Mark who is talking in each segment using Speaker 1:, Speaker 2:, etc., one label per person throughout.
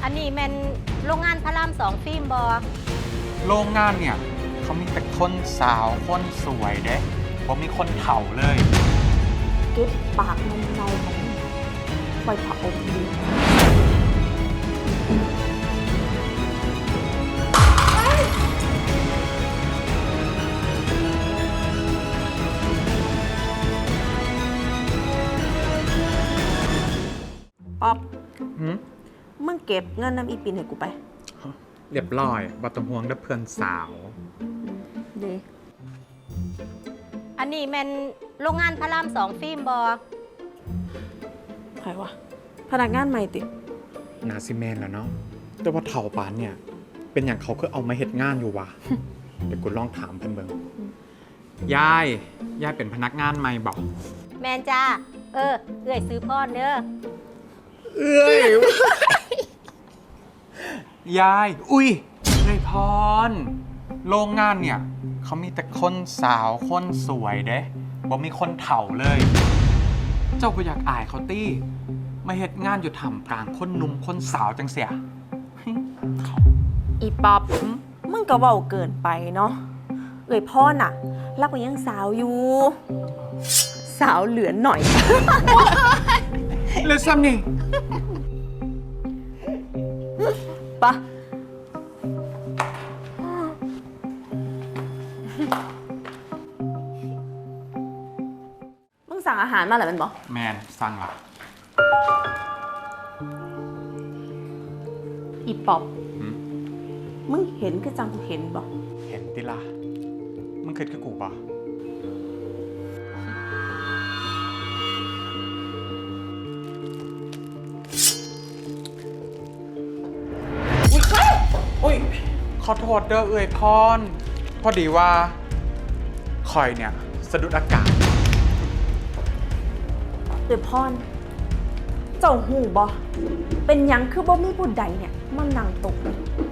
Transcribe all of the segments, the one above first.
Speaker 1: นนี้แมนโรงงานพระราม2ฟิล์มบอ
Speaker 2: โรงงานเนี่ยเขามีแต่คนสาวคนสวยเด้บ่มีคนเฒ่าเลย
Speaker 3: เก็บปากมันเนาของมึงปล่อยผักอบดีป๊อปมึงเก็บเงินน้ำอีปินให้กูไป
Speaker 2: เรียบร้อยบ่ต้องห่วงเด้อเพื่อนสาว
Speaker 3: ดี
Speaker 1: อันนี้แมนโรงงานพระราม2ฟิล์มบอ
Speaker 3: ใครวะพนักงานใหม่ติ
Speaker 2: นาซิแมนแล้วเนาะแต่ว่าเฒ่าปานเนี่ยเป็นอย่างเขาคือเอามาเฮ็ดงานอยู่วะ เดี๋ยวกูลองถามเพิ่นเบิ่งยายเป็นพนักงานใหม่บอก
Speaker 1: แมนจ้าเอื้อยซื้อพ่อเด้อ
Speaker 2: เอ้ย ยายอุ้ยพรโรงงานเนี่ยเขามีแต่คนสาวคนสวยเด้บ่มีคนเฒ่าเลย เจ้าบ่อยากอายเขาตี้มาเฮ็ดงานอยู่ท่ามกลางคนหนุ่มคนสาวจังเสีย
Speaker 3: อีป๊อปมึงก็เว้าเกินไปเนาะพ่อน่ะรักก็ยังสาวอยู่ สาวเหลือหน่อย
Speaker 2: เลยซ้ำนี่
Speaker 3: ปะมึงสั่งอาหารมาเหรอมันบอก
Speaker 2: แมนสั่งละ
Speaker 3: อีป๊อปมึงเห็นก็จังกูเห็นบอก
Speaker 2: เห็นติล่ะมึงคิดคือกูปะอุ้ยขอโทษเด้อเอ่ยพรพอดีว่าคอยเนี่ยสะดุดอากาศ
Speaker 3: พรเจ้าหูบอเป็นหยังคือบ่มีผู้ใดเนี่ยมันนั่งตก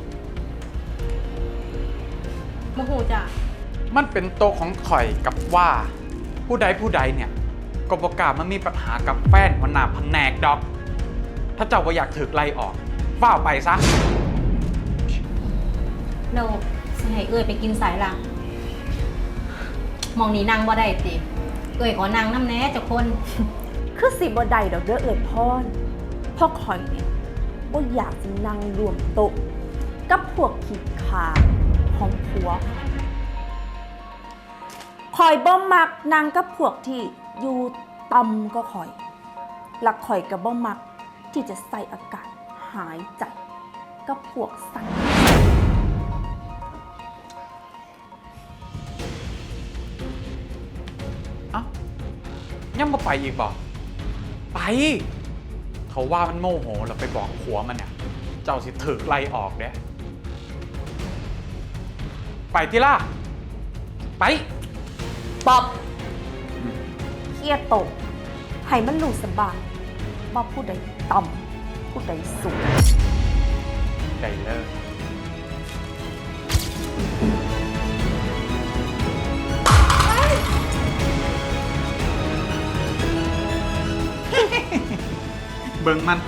Speaker 1: โมโหจ้ะ
Speaker 2: มันเป็นโตะของข่อยกับว่าผู้ใดเนี่ยก็บอกกล้ามันมีปัญหากับแฟนหัวหน้าแผนกดอก ถ้าเจ้าว่าอยากถึกไล่ออกฝ้าวไปซะ
Speaker 1: โนสิให้เอื้อยไปกินสายละมองนี่นั่งบ่ได้ติเอื้อยขอนั่งน้ำแหน่เจ้าคน
Speaker 3: คือสิบ่ได้ดอกเด้อพรพ่อคอยเนี่ยบ่อยากจะนั่งรวมโต๊ะกับพวกขี้ขาของผัวคอยบ่มักนั่งกับพวกที่อยู่ต่ำก็คอยหลักคอยกับบ่มักที่จะใส่อากาศหายใจกับพวกสัง
Speaker 2: เอ้ายังบ่ไปอีกบ่ไปเขาว่ามันโมโหเราไปบอกผัวมันเนี่ยเจ้าสิถึกไล่ออกเด้ไปที่ล่ะไป
Speaker 3: ป๊อบเครียดตกให้มันรู้สบายว่าผู้ใดต่ำผู้ใดสูง
Speaker 2: ได้เลย เบิ่งมัน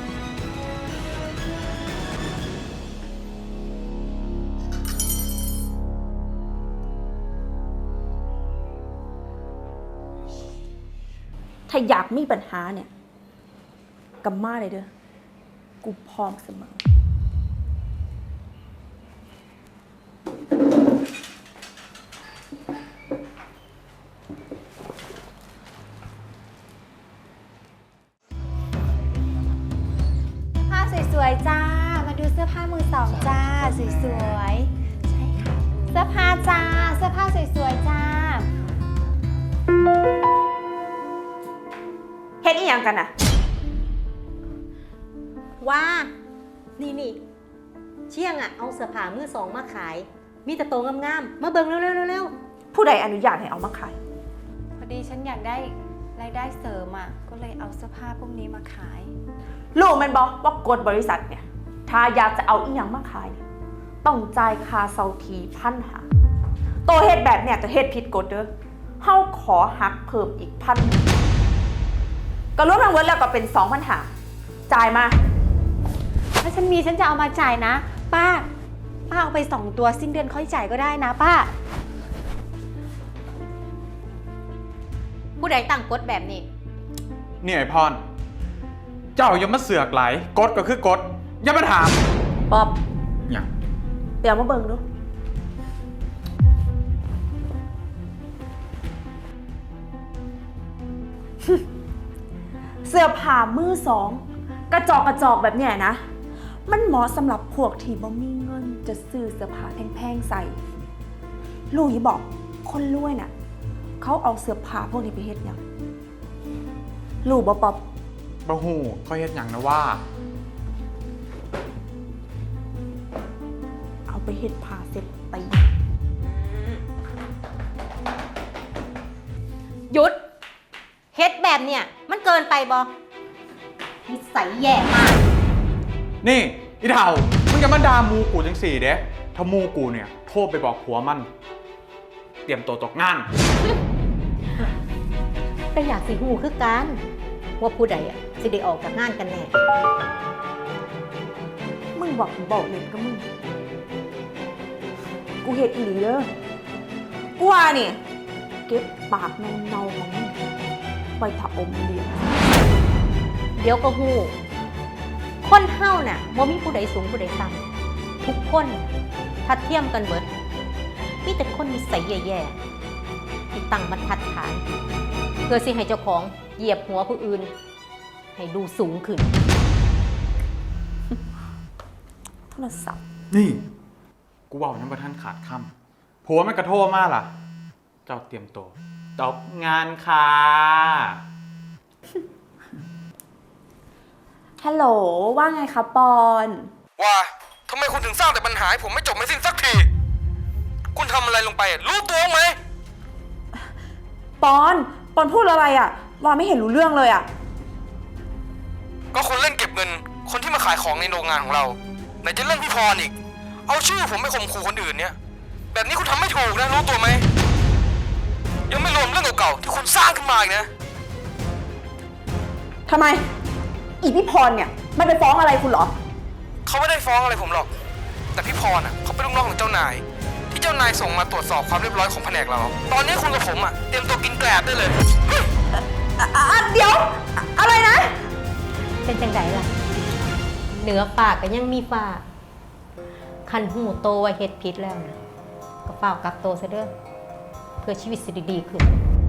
Speaker 3: ถ้าอยากมีปัญหาเนี่ยกำมาเลยเด้อ กูพร้อมเสมอ
Speaker 1: ผ้าสวยๆจ้า มาดูเสื้อผ้ามือสองจ้า สวยๆ ใช่ค่ะ เสื้อผ้าจ้า เสื้อผ้าสวยๆจ้า
Speaker 3: เฮ็ดอีหยังกันน่ะ
Speaker 1: ว่า นี่เชี่ยงอ่ะ เอาเสื้อผ้ามือสองมาขาย มีแต่โตวงามๆ มาเบิ่งเร็วๆๆ
Speaker 3: ผู้ใดอนุญาตให้เอามาขาย
Speaker 4: พอดีฉันอยากได้รายได้เสริมอ่ะ ก็เลยเอาเสื้อผ้าพวกนี้มาขาย
Speaker 3: ลูกแมันบอกว่ากฎบริษัทเนี่ย ถ้าอยากจะเอาอีหยังมาขายเนี่ยต้องจ่ายค่าเซาที1,500ตัวเฮ็ดแบบเนี่ยก็เฮ็ดผิดกฎเด้อเฮาขอหักเพิ่มอีก1,000ก็รวมทั้งหมดแล้วก็เป็น2,500จ่ายมา
Speaker 4: คถ้าฉันมีฉันจะเอามาจ่ายนะ ป้าเอาไป2 ตัวสิ้นเดือนค่อยจ่ายก็ได้นะป้า
Speaker 1: ผู้ใดตั้งกฎแบบนี้
Speaker 2: นี่ไอพร เจ้าอย่ามาเสือกไหลกฎก็คือกฎอย่ามาถาม
Speaker 3: ป๊อบ
Speaker 2: อย่าง
Speaker 3: เดี๋ยวมาเบิ่งดู เสื้อผ้ามือสองกระจอกแบบเนี้ยนะ มันเหมาะสำหรับพวกที่บ่มีเงินจะซื้อเสื้อผ้าแพงๆใส่ ลูกอย่าบอกคนรวยน่ะ เขาเอาเสื้อผ้าพวกนี้ไปเฮ็ดหยังลูกบ่ป๊อบ
Speaker 2: บะหูเขาเฮ็ดอย่างนะว่า
Speaker 3: เอาไปเฮ็ดผ้าเสร็จตี
Speaker 1: หยุดเฮ็ดแบบเนี่ยมันเกินไปบอนิสัยแย่มาก
Speaker 2: นี่อีเถ่ามึงจะมาด่ามูกูจังสี่เด้ถ้ามูกูเนี่ยโทรไปบอกผัวมัน เตรียมตัวตกงาน
Speaker 1: แต่อยากสิหูคือกันว่าผู้ใดอะสิได้ออกจากงานกันแน่
Speaker 3: มึงบอกเล่นกับมึง กูเฮ็ดอีหลีเด้อกูว่านี่เก็บปากเนาๆของมึงไปถะอมเลี้ยง
Speaker 1: เดี๋ยวก็หูคนเฮาน่ะบ่มีผู้ใดสูงผู้ใดต่ำทุกคนทัดเทียมกันเบิดมีแต่คนนิสัยแย่ๆที่ตั้งบรรทัดฐาน เพื่อสิให้เจ้าของเหยียบหัวผู้อื่น ให้ดูสูงขึ้น
Speaker 3: โทรศัพท์
Speaker 2: นี่ กูบอกยังประท่านขาดคำผัวมันกระโทษมากล่ะ เจ้าเตรียมตัวตกงานค่ะ
Speaker 3: ฮัลโหลว่าไงคะปอน
Speaker 5: ว่าทำไมคุณถึงสร้างแต่ปัญหาให้ผมไม่จบไม่สิ้นสักที คุณทำอะไรลงไปรู้ตัวไหม
Speaker 3: ปอนพูดอะไรอ่ะว่าไม่เห็นรู้เรื่องเลยอ่ะ
Speaker 5: ก็คุณเล่นเก็บเงิน คนที่มาขายของในโรงงานของเราไหนจะเรื่องพี่พรอีก เอาชื่อผมไปข่มขู่คนอื่นเนี่ย แบบนี้คุณทำไม่ถูกนะรู้ตัวไหม ยังไม่รวมเรื่องเก่าๆที่คุณสร้างขึ้นมาอีกนะ
Speaker 3: ทำไม อีพี่พรเนี่ยไม่ไปฟ้องอะไรคุณเหรอ
Speaker 5: เขาไม่ได้ฟ้องอะไรผมหรอก แต่พี่พรเขาเป็นลูกน้องของเจ้านาย ที่เจ้านายส่งมาตรวจสอบความเรียบร้อยของแผนกเรา ตอนนี้คุณกับผมเตรียมตัวกินแกลบได้เลย
Speaker 3: เดี๋ยว อะไรนะ
Speaker 1: เป็นจังไดล่ะ เหนือปากก็ยังมีฝากคันหูโตว่าเฮ็ดผิดแล้วนะก็เฝ้ากลับโตซะเด้อเพื่อชีวิตสิดีขึ้น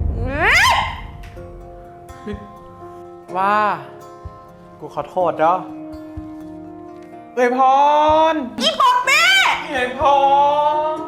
Speaker 2: ว่า กูขอโทษเนาะเอ้ยพร
Speaker 3: อีบอกแม่
Speaker 2: เอ้ยพร